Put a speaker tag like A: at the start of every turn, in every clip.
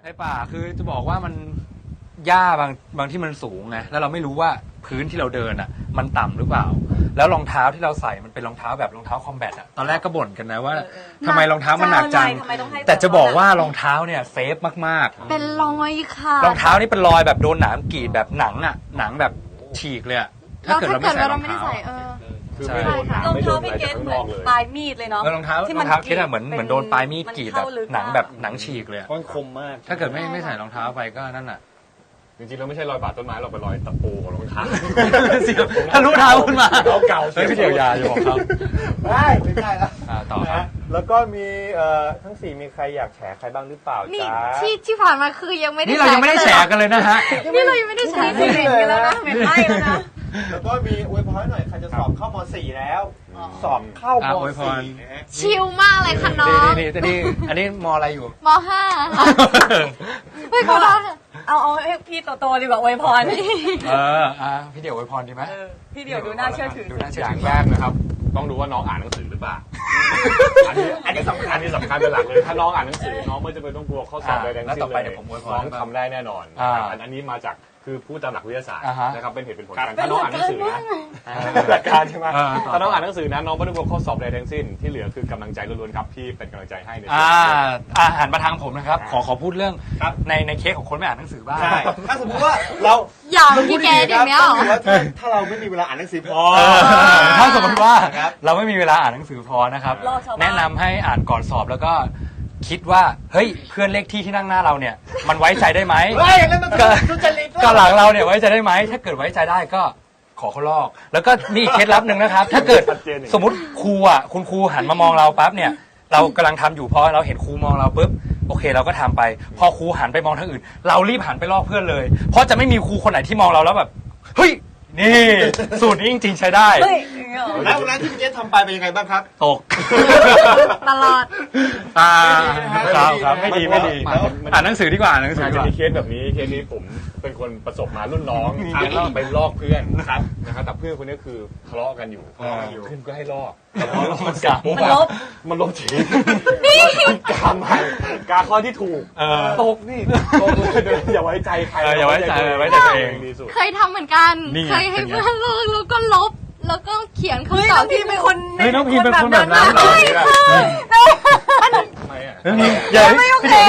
A: ในป่าคือจะบอกว่ามันหญ้าบางที่มันสูงไงแล้วเราไม่รู้ว่าพื้นที่เราเดินอ่ะมันต่ำหรือเปล่าแล้วรองเท้าที่เราใส่มันเป็นรองเท้าแบบรองเท้าคอมแบทอ่ะตอนแรกก็บ่นกันนะว่าทำไมรองเท้ามันหนักจังแต่จะบอกว่ารองเท้าเนี่ยเซฟมากๆ
B: เป็นรอยค่ะ
A: รองเท้านี่เป็นรอยแบบโดนหนามกรีดแบบหนังอ่ะหนังแบบฉีกเลยถ้าเกิดเราไม่ใส่รองเท้า
C: คือไม่โดนหนามไม่โดนอะไรจากข้างนอกเลย
B: ปลายมีดเลยเนาะ
A: รองเท้าคิดอะเหมือนโดนปลายมีดกรีดแบบหนังแบบหนังฉีกเลย
C: มันคมมาก
A: ถ้าเกิดไม่ใส่รองเท้าไปก็นั่นแหละ
C: จริงๆเราไม่ใช่รอยบาดต้นไม้เราเป็นรอยตะปูของรองเท้า
A: ทะลุเท้าขึ้นมา
C: เก่า
A: เฮ้ยพี่เดียวยาจะบอกเขา
D: ไม่ใช่แล้ว
A: ต่อครับ
D: แล้วก็มีทั้ง4มีใครอยากแฉใครบ้างหรือเปล่าจ๊ะ
B: ที่ผ่านมาคือยังไม่ได้
A: นี่เรายังไม่ได้แฉกันเลยนะฮะ
B: นี่เรายังไม่ได้แฉกันแล้วนะเหม็นไหม้แล้วนะ
D: แล้วก็มีอวยพรหน่อยใครจะสอบเข้าม.4 แล้วสอบเข้าม.4 นะฮะ
B: ชิลมากเลยค่ะน้อง
A: นี่อันนี้มอะไรอยู่
B: ม.5ไม่ขอเอาให้พี่โตๆดีกว่าอวยพร
A: พี่เดี่ยวอวยพรดีไหม
B: พี่เดี่ยวดูน่าเชื่อถือ
C: อย่างแรกนะครับต้องดูว่าน้องอ่านหนังสือหรือเปล่าอันนี้สำคัญเป็นหลักเลยถ้าน้องอ่านหนังสือน้องไม่จะเป็นต้องกลัวข้อสอบใดๆทั้งสิ้นเลยน้องทำได้แน่นอนอันนี้มาจากคือพูดตามหลักวิทยาศาสตร์นะครับเป็นเหตุเป็นผลกันถ้าน้องอ่านหนังสือนะหลักการใช่ไหมถ้าน้องอ่านหนังสือนะน้องไม่ต้องกลัวข้อสอบใดทั้งสิ้นที่เหลือคือกำลังใจล้วนๆครับพี่เป็นกำลังใจให้ใน
A: หันมาทางผมนะครับขอพูดเรื่องในเคสของคนไม่อ่านหนังสือบ้าง
D: ถ้าสมมติว่าเรา
B: อย่างพี่แกอย่างเนี้ย
D: ถ้าเราไม่มีเวลาอ่านหนังสือพอ
A: ถ้าสมมติว่าเราไม่มีเวลาอ่านหนังสือพอนะครับแนะนำให้อ่านก่อนสอบแล้วก็คิดว่าเฮ้ยเพื่อนเลขที่นั่งหน้าเราเนี่ยมันไว้ใจได้ไหมก็หลังเราเนี่ยไว้ใจได้ไหมถ้าเกิดไว้ใจได้ก็ขอเขาลอกแล้วก็มีเคล็ดลับหนึ่งนะครับถ้าเกิดสมมติครูอ่ะคุณครูหันมามองเราปั๊บเนี่ยเรากำลังทำอยู่พอเราเห็นครูมองเราปุ๊บโอเคเราก็ทำไปพอครูหันไปมองทางอื่นเรารีบหันไปลอกเพื่อนเลยเพราะจะไม่มีครูคนไหนที่มองเราแล้วแบบเฮ้ยนี่สูตรนี้จริงๆใช้ได้
D: แล้ววันนั้นที่พี่เจษทำไปเป็นยังไงบ้างครับ
A: ตก
B: ตลอด
A: ครับไม่ดีอ่านหนังสือดีกว่าอ่านหนังสือ
C: จะมีเคสแบบนี้เคสนี้ผมเป็นคนประสบมารุ่นน้องไปลอกเพื่อนนะครับแต่เพื่อนคนนี้คือทะเลาะกันอยู่เพื่อนก็ให้ลอกมันลบทิ้งกาข้อที่ถูกตกนี่อย่าไว้ใจใคร
A: อย่าไว้ใจตัวเอง
B: เคยทำเหมือนกันเคยให้เพื่อนลอกแล้วก็ลบแล้วก็เขียนคำตอบที่เป็นคน
A: น้องพีเป็นคนแบบนั้นเหรอ
B: อย่าไม่โอเค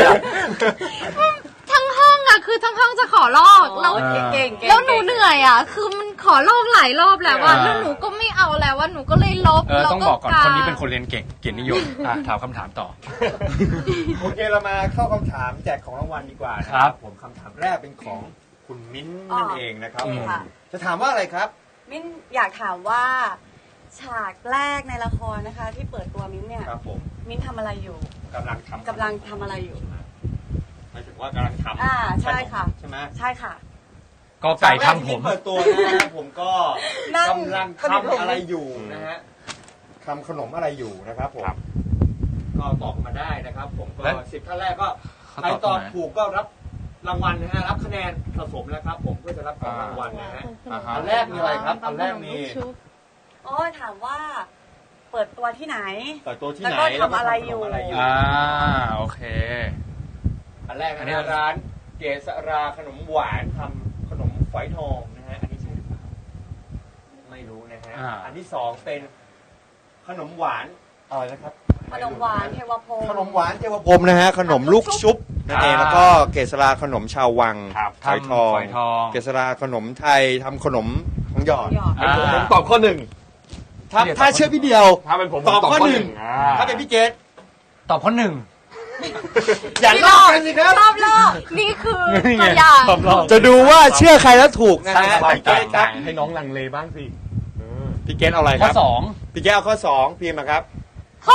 B: ทั้งห้องอะคือทั้งห้องจะขอลอกแล้วแล้วหนูเหนื่อยอะคือมันขอลอกหลายรอบแล้วว่าแล้วหนูก็ไม่เอาแล้วว่าหนูก็เลยลบ
A: ต้องบอกก่อนคนนี้เป็นคนเรียนเก่งเกียรตินิยมถามคำถามต่อ
D: โอเคเรามาเข้าคำถามแจกของรางวัลดีกว่านะครับผมคำถามแรกเป็นของคุณมิ้นนั่นเองนะครับจะถามว่าอะไรครับ
B: มิ้นอยากถามว่าฉากแรกในละครนะคะที่เปิดตัวมิ้นเนี่ยมิ้นทำอะไรอยู่
D: กำลัง
B: ทำอะไรอยู่
D: หมายถึงว่ากำลังท
B: ำใช่ค่ะ
D: ใช่ไหม
B: ใช่ค่ะ
A: ก็ไก่ทำผม
D: เปิดตัวนะครับผมก็กำลังทำอะไรอยู่นะฮะทำขนมอะไรอยู่นะครับผมก็ตอบมาได้นะครับผมก็10ท่านแรกก็ใครตอบถูกก็รับรางวัลนะฮะรับคะแนนสะสมนะครับผมเพื่อจะรับของรางวัลนะฮะอันแรกมีอะไรครับอันแรกมี
B: ถามว่าเปิดตัวที่ไหน
D: เปิดตัวที่ไหน
B: แล้วก็ทำอะไรอยู่
A: โอเค
D: อันแรกนะร้านเกษราขนมหวานทำขนมฝอยทองนะฮะอันนี้ใช่หรือเปล่าไม่รู้นะฮะอันที่2เป็นขนมหวานอะไรนะครับ
B: ขนมหวานเทวพรหม
D: ขนมหวานเทวพรหมนะฮะขนมลูกชุบนั่นเองแล้วก็เกษราขนมชาววังฝอยทองเกษราขนมไทยทำขนมของหยอด
C: ผมตอบข้อ1
D: ถ้าเชื่อพี่เดียว
C: ถ้าเป็นผม
D: ตอบข้อ1ถ้าเป็นพี่เจษ
A: ตอบข้อ1
D: อย่าลอกกันสิครับ
B: รอบลอกนี่คือตัวอย่าง
D: จะดูว่าเชื่อใครแล้วถูกนะฮะ
C: พี่เกษครับให้น้องลังเลบ้างสิ
D: พี่เกษเอาอะไรครับ
A: ข้อ2
D: พี่เกษเอาข้อ2พิมพ์มาครับ
B: ข้อ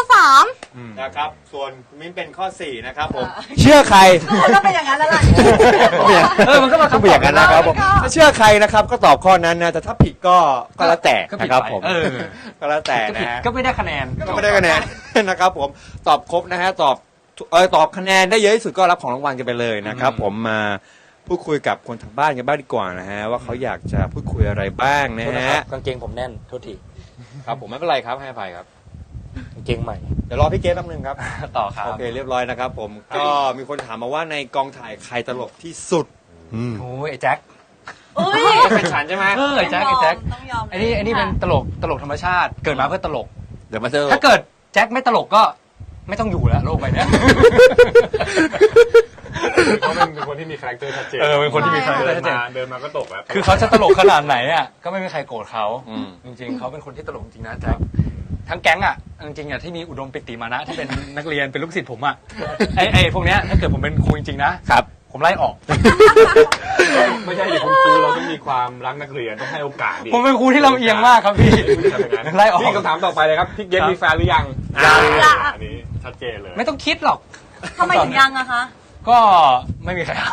B: 3
D: นะครับส่วนมิ้นเป็นข้อ4นะครับผมเชื่อใคร
B: ก็เป็นอย่างนั้นแล้วล่ะ
D: มันก็มาเป็นอย่างนั้นนะครับผมถ้าเชื่อใครนะครับก็ตอบข้อนั้นนะแต่ถ้าผิดก็แล้วแต่นะครับผมก็แล้วแต่นะฮะ
A: ก็ไม่ได้คะแนน
D: นะครับผมตอบครบนะฮะตอบคะแนนได้เยอะที่สุดก็รับของรางวัลกันไปเลยนะครับผมมาพูดคุยกับคนทางบ้านกันบ้างดีกว่านะฮะว่าเขาอยากจะพูดคุยอะไรบ้างนะฮะ
A: กางเกงผมแน่นโทษที
D: ครับผมไม่เป็นไรครับให้อภัยครับ
A: กางเกงใหม่
D: เดี๋ยวรอพี่เกสแป๊บนึงครับ
A: ต่อครับ
D: โอเคเรียบร้อยนะครับผมก็มีคนถามมาว่าในกองถ่ายใครตลกที่สุด
A: โอ้ยไอ้แจ็ค
E: อุ้ย
D: เป็นฉันใช่ไหม
A: ไอ้แจ็คไอ้แจ็ค
E: ต้องยอม
A: ไอ้นี่เป็นตลกธรรมชาติ เกิดมาเพื่อตลก
D: เดี๋ยวมาเจอ
A: ถ้าเกิดแจ็คไม่ตลกก็ไม่ต้องอยู่แล้วโลกใบเนี้ย
C: เขาเป็นคนที่มีคาแรคเตอร์ชัดเจน
A: เป็นคนที่มีคาแรคเตอร์ชัดเจน
C: เดินมาก็ตกแล้ว
A: คือเขาจะตลกขนาดไหนอ่ะก็ไม่มีใครโกรธเขาจริงๆเขาเป็นคนที่ตลกจริงนะแจ็คทั้งแก๊งอ่ะจริงๆอ่ะที่มีอุดมปิติมานะที่เป็นนักเรียนเป็นลูกศิษย์ผมอ่ะไอ้พวกเนี้ยถ้าเกิดผมเป็นครูจริงๆนะครับผมไล่ออก
C: ไม่ใช่ดิคุณครูเราต้องมีความรักนักเรียนต้องให้โอกาสดิ
A: ผมเป็นครูที่ลำเอียงมากครับพี่ไล่ออก
C: นี่คำถามต่อไปเลยครับพี่เกดมีแฟนหรือยัง
A: ยัง
C: อันนี้ชัดเจนเลย
A: ไม่ต้องคิดหรอก
E: ทำไมถึงยังอะคะ
A: ก็ไม่มีใครเอา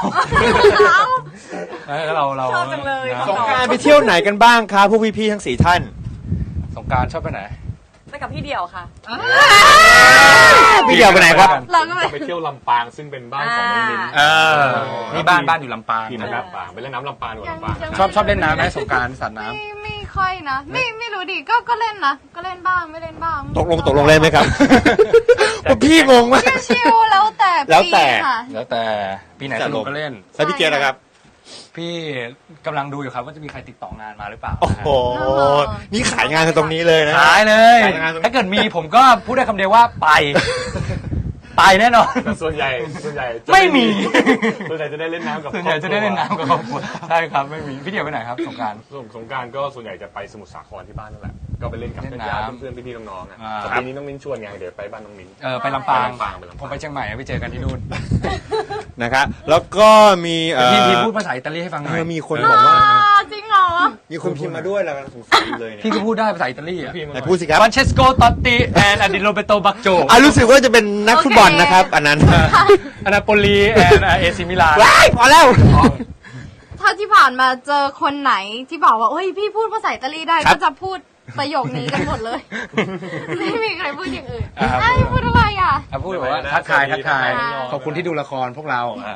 A: แล้วเรา
E: ชอบจังเลย
A: นะ
D: สงกรานต์ไปเที่ยวไหนกันบ้างครับพวกพี่ๆทั้ง4ท่าน
A: สงกรารชอบไปไหน
E: ไปกับพี่เดี่ยวค่ะ
D: พี่เดียวไปไหนครับ
B: เราก็ไป
C: ไปเที่ยวลำปางซึ่งเป็นบ้านของน้องมิ้น
A: นี่บ้านอยู่ลำปาง
C: ทีมลำปางไปเล่นน้ำลำปางอยู่ลำปาง
A: ชอบเล่นน้ำไหมสงกรารสัตว์น้ำ
B: ไม่ค่อยนะไม่รู้ดิก็เล่นนะก็เล่นบ้างไม่เล่นบ้าง
D: ตกลงเลยไหมครับ พวกพี่งงมาก
B: ชิวๆแล้วแต่
D: แล้วแต่
B: ปีค่ะ
A: แล้วแต่ปีไหนสนุกก็เล่น
D: แล้วพี่เกศนะครับ
A: พี่กำลังดูอยู่ครับว่าจะมีใครติดต่องานมาหรือเปล่า
D: โอ้โห นี่ขายงานกันตรงนี้เลยนะ
A: ขายเลย
D: ขายงานตรงนี้
A: ถ้าเกิดมีผมก็พูดได้คำเดียวว่าไป ไปแน่นอน
C: แต่ส่วนใหญ่จะ
A: ไม่มี
C: ส่วนใหญ่จะได้เล่นน้ำกับ
A: ส่วนใหญ่จะได้เล่นน้ำกับครอบครัวใช่ครับไม่มีพี่เดียวไปไหนครับสงกราร
C: สงกรารก็ส่วนใหญ่จะไปสมุทรสาครที่บ้านนั่นแหละก็ไปเล่นกับ
A: เล่น
C: ญาติ
A: น้ำ
C: ๆเพื่อนๆพี่ๆน้องๆอ่ะ
A: อ่า
C: แต่ปีนี้น้องมิ้นชวนไงเดี๋ยวไปบ้านน้องมิ้น
A: ไปลำปาง
C: ไปลำปาง
A: ผมไปเชียงใหม่ไปเจอกันที่นู่น
D: นะครับแล้วก็มี
A: พี่พูดภาษาอิตาลีให้ฟังหน่อย
D: มีคนบอกว่า
B: จริงเหรอ
D: มีคนพิมพ์มาด้วยแล้วสงสารเลยเนี่ย
A: พี่ก็พูดได้ภาษาอิตาลีอ่ะ
C: พี่มึง
D: ไหนพูดสิครับ
A: ฟรานเชสโกตอตติแอนอดิโรเบโตบักโจ
D: รู้สึกว่าจะเป็นนักฟุตบอลนะครับ อันนั้น
A: อนาโปลีแอนเอซิมิลาน
D: ว้ายพอแล้ว
B: ถ้าที่ผ่านมาเจอคนไหนที่บอกว่าเฮ้ยพี่พูดภาษาอิตาลีได้
D: ครับ
B: ก็จะพูดประโยคนี้กันหมดเลย ไม่มีใครพูดอย่างอื่น
A: อ่า
B: ไอ้ยพูดอะไรอ่ะ
A: พูดแบบว่าทักทาย
B: อ่า
A: ขอบคุณที่ดูละครพวกเรา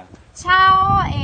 B: Ciao e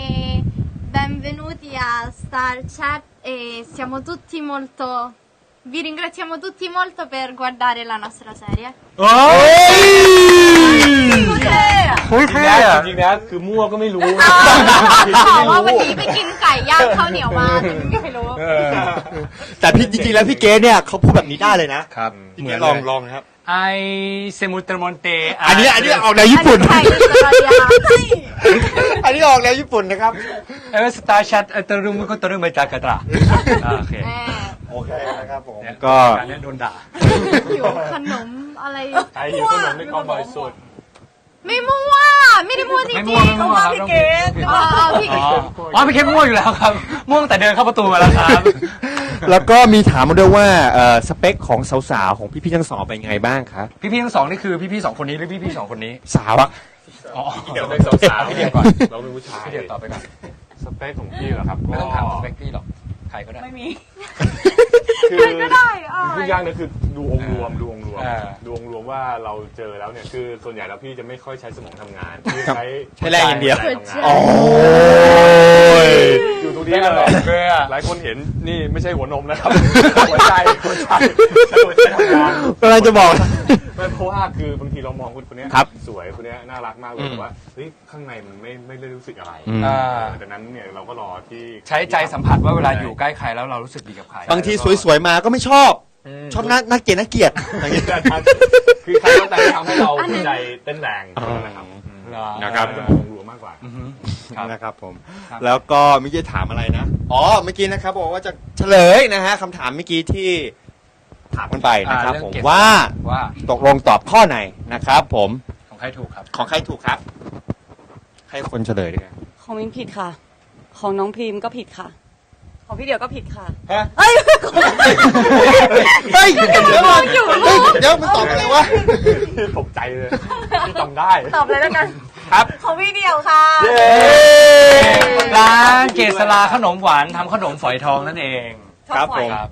B: benvenuti a Star Chat e siamo tutti molto vi ringraziamo tutti molto per guardare la nostra serie.
A: โอ้ย
B: โอเคอ่ะ
C: จริงๆนะคือมั่วก็ไม่รู้
B: บอกว่าวันนี้ไปกินไก่ย่างข้าวเหนียวมาแต่ไม่มีใครรู้
D: แต่พี่จริงๆแล้วพี่เกศเนี่ยเขาพูดแบบนี้ได้เลยนะครับ พี่เกศลองนะครับ
A: ไอเซมูเตอร์มอนเต
D: อันนี้ออกแนวญี่ปุ่น
B: ไก่อิตาเลียน
D: อันนี้ออกแนวญี่ปุ่นนะครับ
A: เอเวสตาชัดเตอร์รุมุโกเตอร์เมจากาตราโอเค
B: แม่
D: โอเคนะครับผม
A: ก็
D: ก็
A: การนี้โดนด่า
B: หิวขนมอะไร
C: ไอ้หิวขนมในกองบอยสุด
B: ไม่มั่วไม่ได้มั่วจริง
A: ไม่
B: ๆ
A: มั่วไม่มั่วครับ
E: พี่เกด
B: พี่
A: อ๋อพี่เคมั่วอยู่แล้วครับ ม่วงแต่เดินเข้าประตูมาแล้วครับ
D: แล้วก็มีถามมาด้วยว่าสเปคของสาวๆของพี่ๆทั้งสองเป็นไงบ้างครับ
A: พี่ๆทั้งสองนี่คือพี่ๆสองคนนี้หรือพี่ๆสองคนนี้
D: สาวอะ
A: อ๋อ
C: เดี๋ยวเป็นสาวๆ
A: พี่เดียวก่อน
C: เราเป็นผู้ชาย
A: พี่เดียวตอบไปก่อน
C: สเปคของพี่เหรอครับ
A: ไม่ต้องถามสเปคพี่หรอกใครก็ได้
E: ไม่มี
C: คือ
B: ใครก็ได้อ่ะ
C: พูดยากนะคือดูองค์รวม
A: อ่า
C: ดูองค์รวมว่าเราเจอแล้วเนี่ยคือส่วนใหญ่แล้วพี่จะไม่ค่อยใช้สมองทำงานพี่
D: ครับ
C: ใช้
D: ใช้แรงอย่างเดียว
C: ใจทำงาน
D: โอ้ย
C: อยู่ตรงนี้กันหรอกหลายคนเห็นนี่ไม่ใช่หัวนมนะครับ หัวใจใช้หัวใจทำงาน
D: กำลังจะบอก
C: ไม่เพราะว่าคือบางทีเรามองคนเนี้ย
D: ครับ
C: สวยคนเนี้ยน่ารักมากเลยแต่ว่าเฮ้ยข้างในมันไม่ได้รู้สึกอะไร
A: อ่า
C: ดังนั้นเนี่ยเราก็รอที่
A: ใช้ใจสัมผัสว่าเวลาอยู่ใกล้ใครแล้วเรารู้สึกดีกับใคร
D: บางทีสวยๆมาก็ไม่ชอบ ชอบน่าเกลียดน่าเกลียดอย่างเงี้ย
C: คือใครก็แต่ทำให้เราหัวใจเต้นแรงนะครับ
D: นะครับ
C: จะมองรวมมากกว่า
A: ครับ
D: นะครับผม
A: ครับ
D: แล้วก็เมื่อกี้ถามอะไรนะ อ๋อ เมื่อกี้นะครับบอกว่าจะเฉลยนะฮะคำถามเมื่อกี้ที่ถามกันไปนะครับผมว่า
A: ว่า
D: ตกลงตอบข้อไหนนะครับผม
A: ของใครถูกครับ
D: ของใครถูกครับ ให้คนเฉลยดีกว่า
E: ของมินผิดค่ะ ของน้องพรีมก็ผิดค่ะ ของพี่เดี่ยวก็ผิดค่ะ
D: ฮะ
E: เอ้ย
D: เฮ้ยเดี๋ยวมันตอบอะไรวะ
C: ตกใจเลยที่จำได้
E: ตอบเลยแล้วกัน
D: ครับ
E: ของพี่เดี่ยวค่ะ
A: ร้านเกษราขนมหวานทำขนมฝอยทองนั่นเอง
D: ครับผม
A: ครับ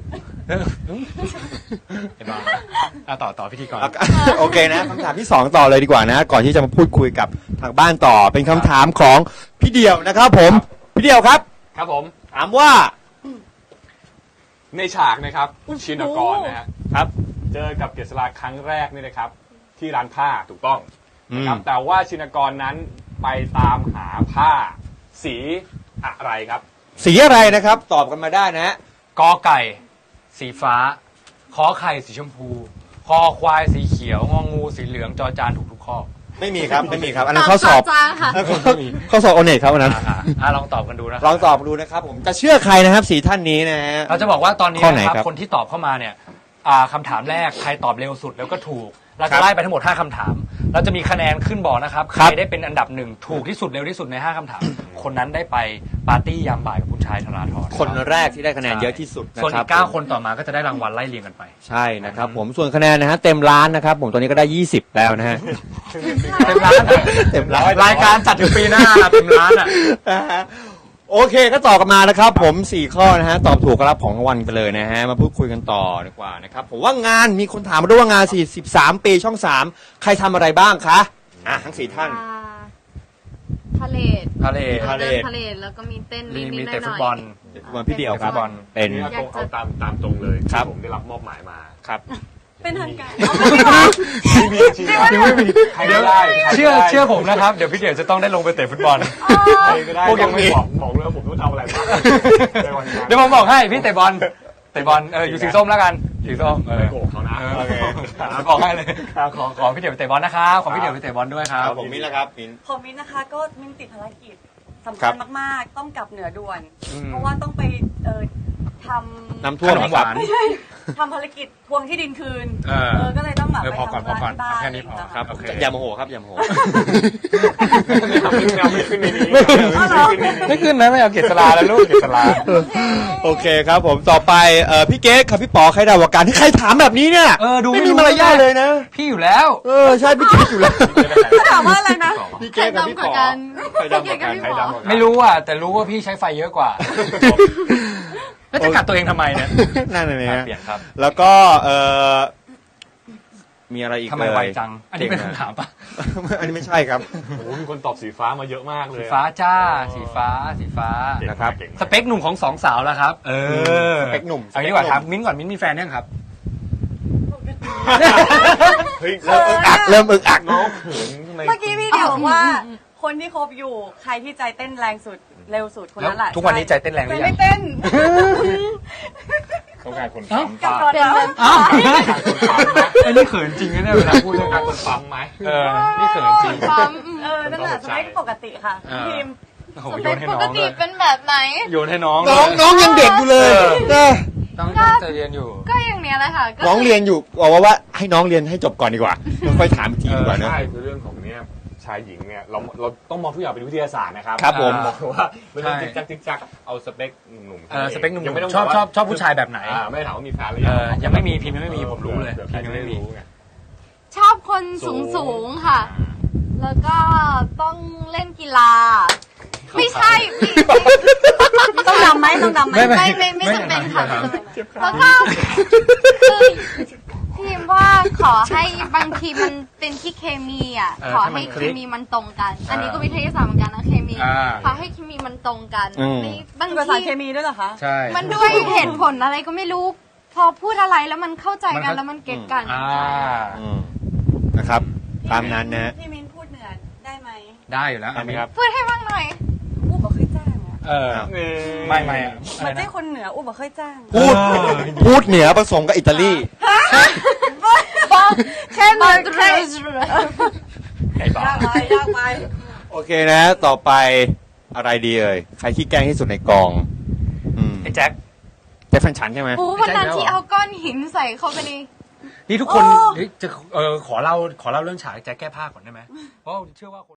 A: ไอ้บ้าต่อพิธีกร
D: โอเคนะคำถามที่สองต่อเลยดีกว่านะ ก่อนที่จะมาพูดคุยกับทางบ้านต่อ เป็นคำถามของพี่เดี่ยวนะครับผม พี่เดี่ยวครับ
C: ครับผม
D: ถามว่า
C: ในฉากนะครับชินกรนะฮะ
D: ครับ
C: เจอกับเกษราครั้งแรกนี่นะครับ ที่ร้านผ้าถูกต้องนะครับแต่ว่าชินกรนั้นไปตามหาผ้าสีอะไรครับ
D: สีอะไรนะครับ ตอบกันมาได้นะฮะ
A: กอไก่ สีฟ้า ขอไข่สีชมพู คอควายสีเขียว งองูสีเหลือง จอจานถูกทุกข้อ
D: ไม่มีครับ ไม่มีครับ อันนั้นข้อสอบ
B: จางค่ะ
D: ข้อสอบโอเน็ตครับอันนั้น
A: ลองตอบกันดูนะ
D: ลองตอบดูนะครับผมจะเชื่อใครนะครับสีท่านนี้นะฮะ
A: เราจะบอกว่าตอนนี้
D: ข้อไหน
A: นะครับ
D: ครับ
A: คนที่ตอบเข้ามาเนี่ยคำถามแรกใครตอบเร็วสุดแล้วก็ถูก เราจะไล่ไปทั้งหมด5คำถาม เราจะมีคะแนนขึ้นบอกนะครับใครได้เป็นอันดับหนึ่งถูกที่สุดเร็วที่สุดใน5คำถาม คนนั้นได้ไปปาร์ตี้ยามบ่ายกับคุณชายธราธร
D: คนแรกที่ได้คะแนนเยอะที่สุดนะ
A: ส่วน
D: ค
A: อี
D: รับ
A: ก9คนต่อมาก็จะได้รางวัลไล่เรียงกันไป
D: ใช่นะครับผมส่วนคะแนนนะฮะเต็มล้านนะครับผมตอนนี้ก็ได้20แล้วนะฮะ
A: เต็มร้าน
D: เต็มร้าน
A: รายการจัดถึงปีหน้าเต็มร้านอ่ะ
D: โอเคก็ตอบกันมานะครับผม4ข้อนะฮะตอบถูกก็รับของรางวัลไปเลยนะฮะมาพูดคุยกันต่อดีกว่านะครับผมว่างานมีคนถามมาด้วยว่างาน43ปีช่อง3ใครทำอะไรบ้างคะทั้ง4ท่าน
B: พาเลท
A: พาเลท
D: พาเลท
B: พาเลทแล้วก็มีเต้น
A: มี
B: นิดๆห
A: เตะ
B: น่
A: ฟุต
B: อย
A: บอล
D: วันพี่เดียวครับ
A: ฟุตบอล
D: เป็น
C: นี่ก็เอาตามตรงเลย
D: ครับ
C: ที่ผมได้รับมอบหมายมา
D: ครับ
E: เป็นทางการ
C: ไม่มีจริงๆยังไม่มีใครก็ได้ใครก็ได้
A: เชื่อผมนะครับ เดี๋ยวพี่เดียวจะต้องได้ลงไปเตะฟุตบอล
C: ใครก็ได้
A: พวกยังไม่
C: บอกเลยว่าผมต้องทำอะไรบ้างในวันนั้น
A: เดี๋ยวผมบอกให้พี่เตะบอลอยู่สีส้มแล้วกันสีส้ม
C: ไม่โกรธเขานะ
A: โอเคบอกให้เลยขอพี่เดียวไปเตะบอลนะครับขอพี่เดียวไปเตะบอลด้วยครับ
D: ผมมิ้นแล้วครับมิ้น
E: ของมิ้นนะคะก็มิ้นติดภารกิจสำ
D: ครั
E: คัญ
D: บ
E: มากๆ ต้องกลับเหนือด่วน
A: อืม
E: เพราะว่าต้องไปทำ
D: น้ำท่วม
A: ขนมหวาน
E: ไม่ใช่ทำภารกิจทวงที่ดินคืน ก็เลยต้องแบบไป
A: พอก่อน
E: ทำ
A: พอก่อน
E: ที่บ้าน
A: แค่นี้พอ
D: ครับ
A: โอเค
D: อย่าโมโหครับอย่าโมโห
C: ไม่ขึ้นในนี้
A: ไม่ขึ้นนะไม่เอาเกศลาแล้วลูกเกศลา
D: โอเคครับผมต่อไปพี่เก๊กครับพี่ป๋อใครดาวกันที่ใครถามแบบนี้เนี่ย
A: ดู
D: ไม่มีมารยาทเลยนะ
A: พี่อยู่แล้ว
D: ใช่พี่เก๊กอยู่แล้ว
E: เขาถามว่าอะไรนะ
D: พี่
B: ใคร
D: เก๊กกับพี่
B: ดำก
D: ป๋
B: ว่า
D: อ
B: กัน
D: ใครดำกว่ากัน
B: ใครดำกว่ากัน
A: ไม่รู้อ่ะแต่รู้ว่าพี่ใช้ไฟเยอะกว่าแล้วจะกัดตัวเองทำไมเนี่ย
D: นั่นเลยนะ
A: เปลี่ยนครับ
D: แล้วก็มีอะไรอีก
A: ทำไมไวจัง อันนี้เป็นคำถามปะ
D: อันนี้ไม่ใช่ครับ
C: โอ้โหมีคนตอบสีฟ้ามาเยอะมากเลย
A: สีฟ้าจ้าสีฟ้า
D: นะครับ
A: สเปคหนุ่มของ2 สาวแล้วครับ
D: สเปคหนุ่ม
A: เอางี้ดีกว่าถามมิ้นท์ก่อนมิ้นท์มีแฟนยังครับ
C: เฮ้ย
D: เริ่มอึกอัก
C: น้องเขินทำไม
E: เมื่อกี้พี่เดียวบอกว่าคนที่คบอยู่ใครที่ใจเต้นแรงสุดเร็วสุดคน
A: แล้ว
E: นั้นแหละ
A: ทุกวันนี้ใจเต้นแรงห
E: ใจ
A: รือยั
E: ไม่
A: ง
E: เต้น
C: ต้องการคน
A: เอ้า
C: ปั๊ม
E: กับ
C: ปะ
E: ตอนนั้น
A: อ้าวไอ้นี่เขินจริงนะเนี่ยเวลาพูด
C: ต้
A: เรื่
C: อ
A: อง ง
C: การคนปั๊มไหม
A: นี่เขินจริง
B: ปั๊ม
E: นั่นแหละสเปคปกติค่ะ
A: เออ
E: ทีม
A: โอ้โห
B: ส
A: โย
B: เป
A: น
B: ค
A: ให้
B: ป
A: น้
B: ก
A: อง
B: ติ
A: เลย
B: เป็นแบบไหน
A: โยนให้น้อง
D: น้องยังเด็กอยู่เลยนะ
A: ต้องใจเย็นอยู่
B: ก็อย่างเนี้ยแหละค่ะก็
D: น้องเรียนอยู่บอกว่าให้น้องเรียนให้จบก่อนดีกว่าแล้วค่อยถามอีกทีดีกว่าเนอะ
C: ใช่คือเรื่องของเนี้ยชายหญิงเนี่ยเราต้องมองทุกอย่างเป็นวิทยาศาสตร์นะครับ
D: ครับผม
C: บอกว่าไม่ต้องจิ๊กจักเอาสเปคหนุ่มๆ
A: สเปคหนุ่ม
C: ยังไม่ต้อง
A: ๆชอบผู้ชายแบบไหน
C: ไม่ถามว่ามีแฟนหรือยัง
A: ยังไม่มีพิมพ์ยังไม่มีผมรู้เลย
C: ผื่อ
A: พิมพ์ยังไม่มี
C: รู้ไง
B: ชอบคนสูงๆค่ะ แล้วก็ต้องเล่นกีฬา ไม่ใช่พี่
E: ต้องดำไหมต้องดำไหม
B: ไม่จำเป็นค่ะไม่จำเป็นแล้วก็คือพี่ว่าขอให้บางทีมันเป็นที่เคมีอ่ะ ขอให้เคมีมันตรงกัน อันนี้ก็วิทยาศาสตร์เหมือนกันนะเคมี ขอให้เคมีมันตรงกันบาง
E: ภาษา
B: ที
E: เคมีด้วยเหรอคะ
A: ใช่
B: มันด้วยเหตุผลอะไรก็ไม่รู้ พอพูดอะไรแล้วมันเข้าใจกันแล้วมันเก็ตกัน
D: นะครับตามนั้นนะ
E: พี่มิ้นพูดเหนือได้ไหม
A: ได้อยู่แล้ว
D: ได้ไหมครับ
B: พูดให้บ้างหน่อย
E: อู้บอกเคยจ้างอ่ะ
A: ไม่อะ
E: มาเจ้คนเหนืออู้บอกเคยจ้าง
D: พูดเหนือผสมกับอิตาลี
E: แค่นั้นแค่
A: ไอ้บ้าย
E: ากไปยากไป
D: โอเคนะ ต่อไปอะไรดีเอ่ยใครขี้แกล้งที่สุดในกอง
A: ไอ้แจ็ค
D: แจ็คแฟนฉันใช่ไหม
B: โอ้วันนั้นที่เอาก้อนหินใส่เข้าไปใน
A: นี่ทุกคนจะขอเล่าเรื่องฉากแจ็คแก้ผ้าก่อนได้ไหมเพราะเชื่อว่าคน